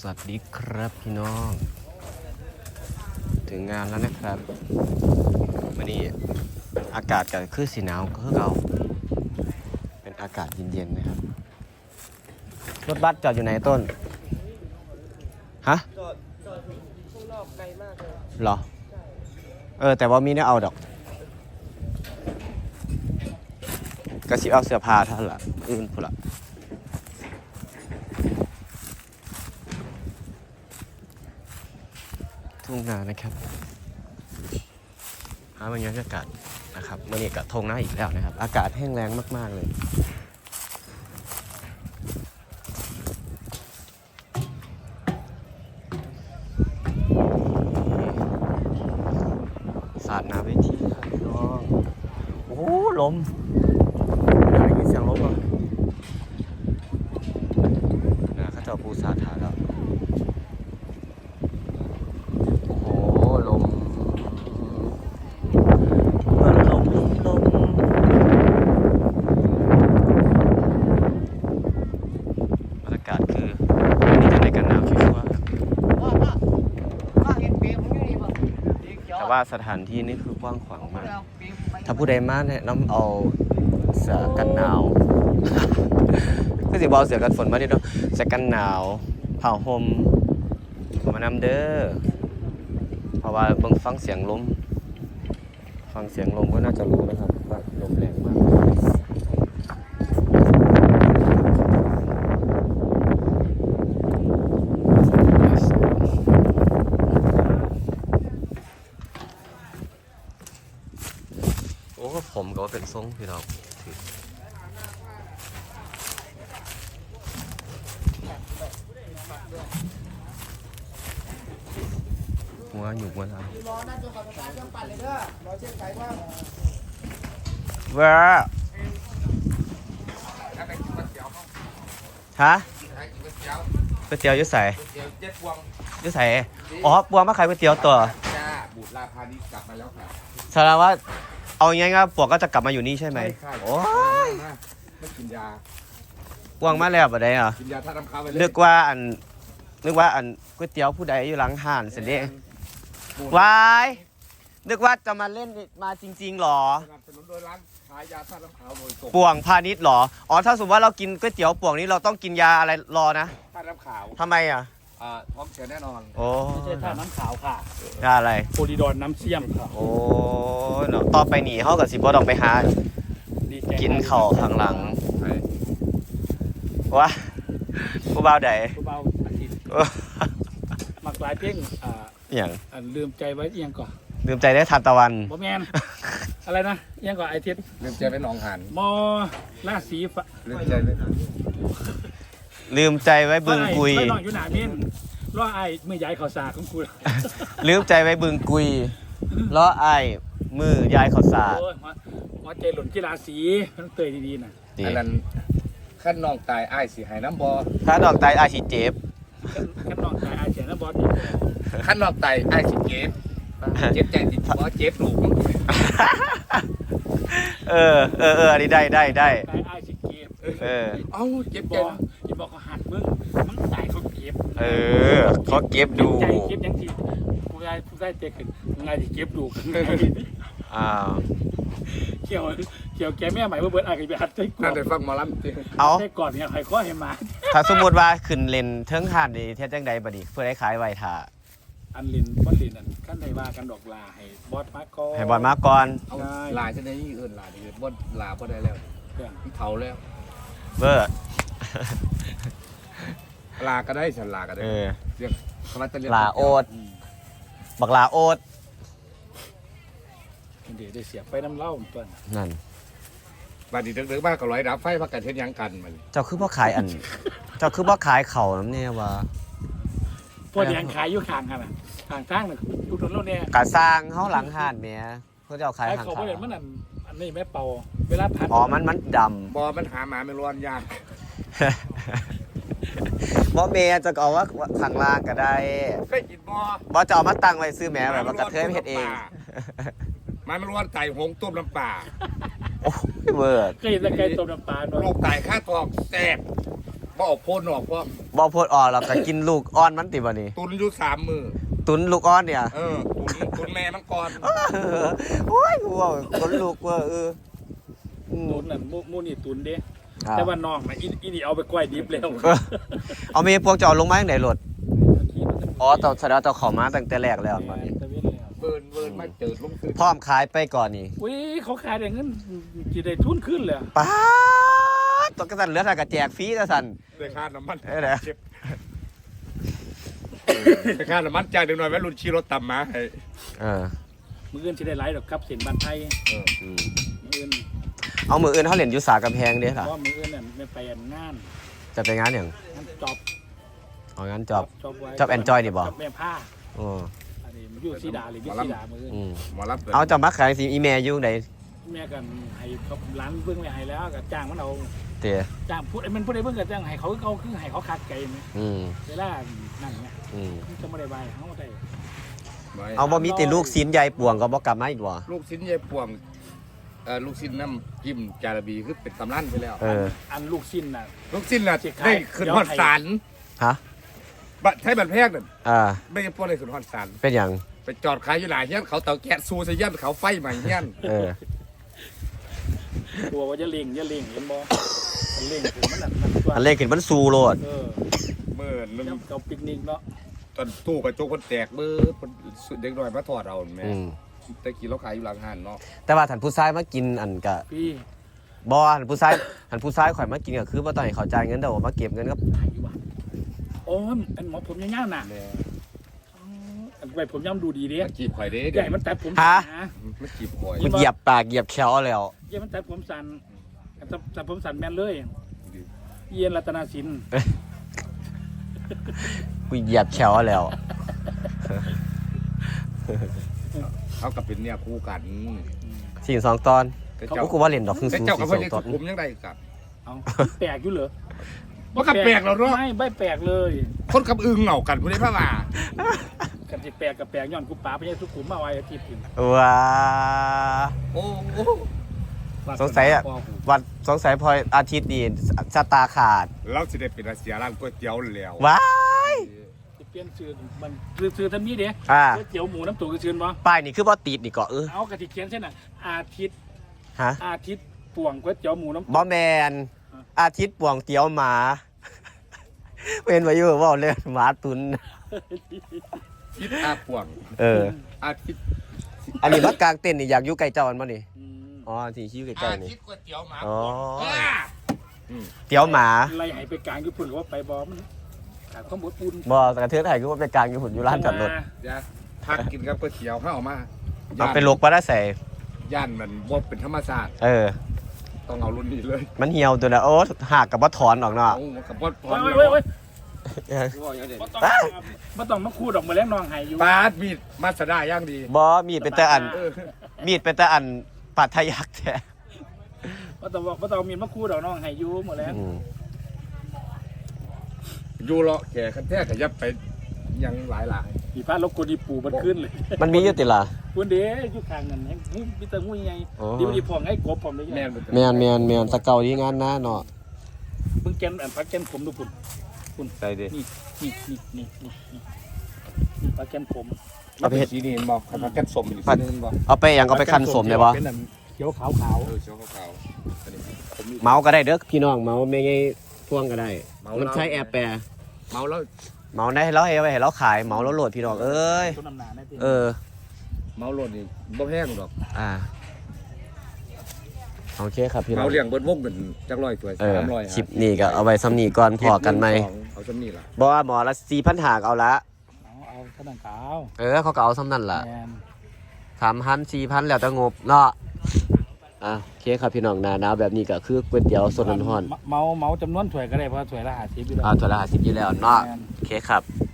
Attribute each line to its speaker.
Speaker 1: สวัสดีครับพี่น้องถึงงานแล้วนะครับวันนี้อากาศก็คือสีหนาวก็คือเราเป็นอากาศเย็นๆนะครับรถบัสจอดอยู่ไหนต้นฮะ
Speaker 2: จอดข้างนอกไกลมากเลย
Speaker 1: เหรอแต่ว่ามีเนี่ยเอาดอกกระชิบเอาเสื้อผ้าท่านละอื่นพุ่นละทุ่งนานะครับหาบรรยากาศนะครับเมื่อนี้กับทงนาอีกแล้วนะครับอากาศแห้งแล้งมากๆเลยสาดน้ำเวทีครับพี่น้องโอ้ลมได้ยินเสียงลมเหรอเขาจะปูสาดถาแล้วโอ้ลมมันลมบรรยากาศคือนี่จะในกันหนาวชัวร์แต่ว่าสถานที่นี่คือกว้างขวางมากถ้าผู้ใดมาเนี่ยน้ำเอาเสื้อกันหนาวก็สิบเอาเสื้อกันฝนมาดิเนาะเสื้อกันหนาวผ้าห่มมานำเด้อเพราะว่าเบิ่งฟังเสียงลมก็น่าจะรู้นะครับว่าลมแรงมากโอ้ผมก็เป็นทรงพี่น้องหัวอยู่หัวเรา
Speaker 2: รอนั่นจนกว่าจะตายเครื่องปั่นเลยเด้อรอเช็คไฟว่า
Speaker 1: ว้าฮะก๋วยเตี๋ยวยุ่ใส่ยุ่ใส่อ๋อปวงมาขายก๋วยเตี๋ยวตัว
Speaker 3: จ้าบูดลาพานี้กลับมาแล้วค่ะ
Speaker 1: แสดงว่าเอาง่ายๆปวงก็จะกลับมาอยู่นี่ใช่ไหมโอ้ย
Speaker 3: ไม่กินยา
Speaker 1: ปวงมาแล้วบ่ได้อ่ะ
Speaker 3: กินยาท่าน้ำค้างไปเลย
Speaker 1: นึกว่าอันก๋วยเตี๋ยวผู้ใดอยู่หลังห้านเสร็จเด้วายนึกว่าจะมาเล่นมาจริงๆหรอ
Speaker 3: สนับสนุนโดยร้านขายยาท่าน้ำขาวโดยตรง
Speaker 1: ป่วงพาณิชย์หรออ๋อถ้าสมมติว่าเรากินก๋วยเตี๋ยวป่วงนี้เราต้องกินยาอะไรรอนะ
Speaker 3: ท่าน้ำขาว
Speaker 1: ทำไมอ่ะ
Speaker 3: ท้องเสียแน่นอน
Speaker 1: โอ้
Speaker 2: ไม่ใช่ท่าน้ำขาวค่ะ
Speaker 1: ยาอะไร
Speaker 2: โพลีดอนน้ำเชี่ยมค่ะ
Speaker 1: โอ้เนาะต่อไปหนีเขากับสิบ่ต้องไปหากินข้าวข้างหลังวะผู้บ่าวใด
Speaker 2: ผู้บ่าวอาทิตย์มักหลายเพ่ง
Speaker 1: อย่าง
Speaker 2: ลืมใจไว้เอียงก่อน
Speaker 1: ลืมใจได้ทานตะวัน
Speaker 2: บ่แมนอะไรนะเอียงก่อนไอทิศ
Speaker 3: ลืมใจไว้หนองหัน
Speaker 2: มอราศี
Speaker 3: ลืมใจไว้
Speaker 1: บึงกุย
Speaker 2: ไม่นอนอยู่หนาเม่นล้อไอมือใหญ่ข่าวสารของกู
Speaker 1: ลืมใจไว้บึงกุยล้อไอมือยายข่าวสาร
Speaker 2: หัวใจหล่นกีฬาสีต้องเตยดีๆนะ
Speaker 3: อันนั้นขั้นน้องตายไอ้สิหายน้ำบอ
Speaker 1: ขั้นน้องตายไอ้สิเจ็บ
Speaker 2: ขั้นน้องตายไอ้เสียน้ำบอดี
Speaker 3: ขั้นน้องตายไอ้สิเจ็บใจสิบอเจ็บลูก
Speaker 1: อันนี้ได้
Speaker 2: ตายไอ้สิเก็บ
Speaker 3: เอ้าเจ็บใจ
Speaker 2: อย่าบอกเขาหักมึงมันตายเขาเก็บ
Speaker 1: เขาเก็บดู
Speaker 2: เก็บยังทีผู้ได้เตะขึ้นไงที่เก็บดูเกี่ยวแกแม่ใหม่เบิร์ดอะไรไปหัดใจก่อน
Speaker 3: น่าจะฟังมาล้
Speaker 2: ำเอาใจก่อนเนี่ยใครก็เห็นมา
Speaker 1: ถ้าสมมติว่าขึ้นเลนเทิงหันดีเทียบจังใดบัดนี้เพื่อได้ขายไวท่า
Speaker 2: อันลินบอลลินอันขั้นใดว่ากันดอกลาให้บอสมาก่อน
Speaker 1: ให้บอสมาก่อน
Speaker 3: ลาจะได้อื่นลาดีบอสลาบอสได้แล้วที่เผาแล้ว
Speaker 1: เบอร์
Speaker 3: ลาก็ได้ฉันลาก็ได้เรียกคำว่าจะเรียก
Speaker 1: ลาโอดบักลาโอด
Speaker 2: เดี๋ยวได้เสียไปน้ำเล่าต้น
Speaker 1: นั่น
Speaker 3: บาดนีดึกๆมากก็ร้อยดับไฟพักกันเช่นยังกันมัน
Speaker 1: เจ้าคือพ่อขายเจ้าคือพ่อขายเข่าน้ำเนี่ยวะ
Speaker 2: พวกยังขายอยู่ข้างกันอ่ะข้างทางน่ะทุกถนนเนี่ย
Speaker 1: กะสร้างเขาหลังห้านเมียเพื่อจะเอาขายข้าง
Speaker 2: เขาเห็นมันอันนี้แม่เป่าเวลาพัน
Speaker 1: มันด
Speaker 3: ำมันหาหมาไม่ร้อนยาก
Speaker 1: เมียจะเอาว่าข้างล่างก็ได้
Speaker 3: เคยกิน
Speaker 1: จะเอามาตั้งไว้ซื้อแม่แบบว่ากระเทยเฮ็ดเอง
Speaker 3: มันร้อนไก่หงต้มน้ำปลา
Speaker 1: โอ้เบิร์ด
Speaker 2: เคยกินไก่ต้มน้ำปลา
Speaker 3: โรคไตค่าทองแซ่บบ่ออกโพนออกว่า
Speaker 1: บ่โพดอ่อนเราก็กินลูกอ่อนมันติบ่นี่
Speaker 3: ตุนอยู่3 มือ
Speaker 1: ตุนลูกอ่อนเนี่ย
Speaker 3: ตุนแม่มังกร
Speaker 1: โอ้ยกูว่าคนลูกว่า
Speaker 2: ตุนนั่นมูนี่ตุนเด้แต่ว่าน้องนะอีนี่เอาไปกล้วยดิบแล้ว
Speaker 1: เอามีพวกจะเอาลงมาอย่างไหนรถอ๋อแต่แสดงว่าจะขอมาตั้งแต่แรกแล้วตอนนี้
Speaker 3: เบิร์นมาเจอลงซื้อ
Speaker 1: พร้อมขายไปก่อนนี่
Speaker 2: อุ้ยเขาขายได้เงินจีได้ทุนขึ้นเลย
Speaker 1: ป้าดตัวกระสันเหลือแต่กระแจกฟรีกระสัน
Speaker 3: ได้ค่าน้ำมัน
Speaker 1: เอ้ยเด้อ
Speaker 3: ได้ค่าน้ำมันจ่ายเด็กน้อยแม่รุ่นขี่รถต่ำมาให้
Speaker 2: มืออื่นจะได้ไล่ดอกครับเสียงบันไทยมืออื่น
Speaker 1: เอามืออื่นเขาเหรียญยุสากำแพงเด้อ
Speaker 2: เพ
Speaker 1: ค่ะ
Speaker 2: ราะมืออื่นเนี่ยไม่ไปงาน
Speaker 1: จะไปงานอย่าง
Speaker 2: จอบ
Speaker 1: เอางานจอบ
Speaker 2: ไว้
Speaker 1: จอบ enjoy นี่บ่
Speaker 2: จอบแม่ผ้า
Speaker 1: อ๋อ
Speaker 2: อันนี้มันอยู่สีดาหรือวิสีดามืออื่น
Speaker 3: หมอรับ
Speaker 1: เอาจะมาขายสิอีเมลอยู่ไหน
Speaker 2: แม่กันให้เขาร้านเบื้องไว้ให้แล้วก็จ้างมันเอา
Speaker 1: เตี๋ย
Speaker 2: จ้างพูดไอ้มันพูดได้เบื้องก็จ้างให้เขาคือให้เขาคัดไก่ไหม เวลานั่นไงจะไม่ได้ใบเขาได้
Speaker 1: เอาบ่มีแต่ลูกซีนใหญ่ป่วงก็บ่กลับมาอีกบ่
Speaker 3: ลูกชิ้นใหญ่ป่วงลูกชิ้นน้ำจิ้มจาระบีคือเป็นตำรั่นไปแล้ว
Speaker 2: อันลูกชิ้นน่ะ
Speaker 3: ลูกชิ้นน่ะได้ขึ้นฮอดศาล
Speaker 1: ฮะ
Speaker 3: บัดใช้บัตรแพงนั่น ไม่ใช่พวกได้ขึ้นฮอดศาล
Speaker 1: เป็นอย่าง
Speaker 3: ไปจอดขายอยู่หลายเฮียนเขาเตาแก๊สซูใส่เฮียนเขาไฟใหม่เฮียน
Speaker 2: ตัวว่าจะเล่งเห็นบ่เล่งถึงมันนั่นตัว
Speaker 1: อันเล็กขึ้นมันสูโลด
Speaker 3: เมื่อนึง
Speaker 2: เราปิกนิกเนาะ
Speaker 3: ตอนตู้กระจกคนแตกเบอร์เด็กน้อยมาถอดเอาแม่ตะกี้เราขายอยู่หลังหันเนาะ
Speaker 1: แต่ว่าท่านผู้ชายมากินอันกะ
Speaker 2: พี่
Speaker 1: บ่ท่านผู้ชายข่อยมากินก็คือบ่ต้องให้เขาจ่ายเงินแต่ว่ามาเก็บเงินกับ
Speaker 2: ถ่ายอยู่ว่ะโอ้ยอันหมอผมยาวๆน่ะอันไปผมย่ำดูดีเด้
Speaker 3: มันจีบข่อยเด้
Speaker 2: ใหญ่มันตัดผม
Speaker 3: มันจีบข่อย
Speaker 1: มันเหยียบปากเหยียบแขวแล้ว
Speaker 2: ใหญ่มันตัดผมสั้นตัดผมสั้นแม่นเลยเย็นรัตนาสิน
Speaker 1: กูเหยียบแขวแล้ว
Speaker 3: เขากับเป็นเนี่ยคู่กัน
Speaker 1: สิ่งสองตอน
Speaker 3: แต่
Speaker 1: เขากูว่าเล่นดอกครึ่ง
Speaker 3: แต่
Speaker 1: สู
Speaker 3: เจ้า
Speaker 1: สี่
Speaker 3: กับ
Speaker 1: ส
Speaker 3: พ่อ
Speaker 1: อง
Speaker 3: ยัง
Speaker 1: ตอน
Speaker 3: คุมยังได้กับ
Speaker 2: เอาแปลกอยู่เหรอ
Speaker 3: ว่ากับแปลกเราเนาะ
Speaker 2: ไม่แปลกเลย
Speaker 3: คนกับอึงเหงากันผู้ใดพระว่า
Speaker 2: กันที่แปลกกับแปลกย้อนกูป๋าไปยังทุกขุมมาไว้อาทิตย์ถึง
Speaker 1: ว้า
Speaker 3: โอ้
Speaker 1: สงสัยอ่ะวันสงสัยพออาทิตย์นี้ชะตาขาด
Speaker 3: เราสิได้เป็นอาเซียร้านก๋วยเตี๋ยวแล้ว
Speaker 1: ว้าย
Speaker 2: จะเปลี่ยนชื่อมันซื้อทำนี้เด้ก๋วยเตี๋ยวหมูน้ำตุ๋นก็ชื่อบ่
Speaker 1: ป้ายนี่คือบ่ติดนี่ก็
Speaker 2: เอากระติเขียนเช่นน่ะอาทิตย์
Speaker 1: ฮะ
Speaker 2: อาทิตย์ป่วงก๋วยเตี๋ยวหมูน้ำ
Speaker 1: บ่แมนอาทิตย์ป่วงเตี๋ยวหมา เป็นมาอยู่ว่าเล่นหมาตุน
Speaker 3: ทิศอาป่วงอาทิตย์
Speaker 1: อันนี้ว่ากลางเต้นนี่อยากอยู่ไกลเจ้าอันบ่นี่อ๋อที่ชื่อใกล้ๆนี่
Speaker 3: ทิตย์ก๋วยเตี๋ยวหมา
Speaker 1: อ๋อเตี๋ยวหมา
Speaker 2: ไล่หายไปกลางญี่ปุ่นหรือว่าไปบอมันขาดข้าวหมูปูน
Speaker 1: บ่กระเทือนไทยคือว่าไปกลางอยู่หุ่นอยู่ร้านจอดรถ
Speaker 3: อย่าพักกินกับก๋วยเตี๋ยวข้าวมา
Speaker 1: เอาไปลกปลาได้ใส่
Speaker 3: ย่านมันบ่เป็นธรรมศาสตร์ ต้องเอารุ่นนี้เลย
Speaker 1: มันเหี่ยวตัวแล้วโอ้หักกับบ่ถอนออกเนาะ
Speaker 3: โอ้กับบ่พอ
Speaker 2: เว้ยไม่ต้องมาคู่ดอกมาแล้วนองหายอยู่
Speaker 3: ปาดมีดมาสดาย่างดี
Speaker 1: บ่มีดเป็นแต่อันมีดเป็นแต่อันปัดทะยักแท้
Speaker 2: ไม่ต้องมีมาคู่ดอกนองหายอยู่หมดแล้ว
Speaker 3: อยู่เลาะแก่คันแท้ขยับไปยังหลาย
Speaker 2: ผีฟ้าลบกดีปูมันขึ้นเลย
Speaker 1: มันมีอยู่ติล่ะ
Speaker 2: คุณเด้ยุคทางนั้นให้มีแต่งูใหญ่ดีพองให้กบผมเลย
Speaker 3: แม่น
Speaker 1: แม่นตะเกาดีงานนะเนาะ
Speaker 2: เพิ่งแกนพักแกนผมดูคุณ
Speaker 3: ใส่ดิ
Speaker 2: นี่พักแกนผม
Speaker 3: เอาไปเฮ็ดสีนี่บ่คันแก่นสมอีกสีนึงบ่
Speaker 1: เอาไปอย่างเอาไปคันสมได้บ่
Speaker 2: เป็นเขียวขาว
Speaker 3: เขียวขาวอันนี้ผม
Speaker 1: เมาก็ได้เด้อพี่น้องเมาไม่ไงพ่วงก็ได้มันใช้แอร์แปร
Speaker 3: เมาแล้ว
Speaker 1: เมาได้ให้เราให้เราขายเมาแล้วโหลดพี่น้องเอ้ย
Speaker 2: ต้นน้ำหนาได้
Speaker 3: เมาโลดนี่บ่แห้งดอก
Speaker 1: โอเคครับพี่น้อง
Speaker 3: เมาเลี้ยงเบิดวงเป็นจักร้อยถ้วย300
Speaker 1: คลิปนี้ก็เอาไว้ซ้ำนี้ก่อนพอกันไหม
Speaker 3: เอาซ้ำนี่ล่ะ
Speaker 1: บ่ว่าหมอละ4,000หากเอาละ
Speaker 2: เอาขนาดขาว
Speaker 1: เขาก็เอาซ้ำนั่นล่ะ3,000 4,000แล้วแต่งบเนาะโอเคครับพี่น้องหน้าแบบนี้ก็คือก๋วยเตี๋ยวสดร้อน
Speaker 2: เมาจำนวนถ้วยก็ได้เพราะถ้วยละ50อยู่แล้ว
Speaker 1: ถ้วยละ50อยู่แล้วเนาะโอเคครับ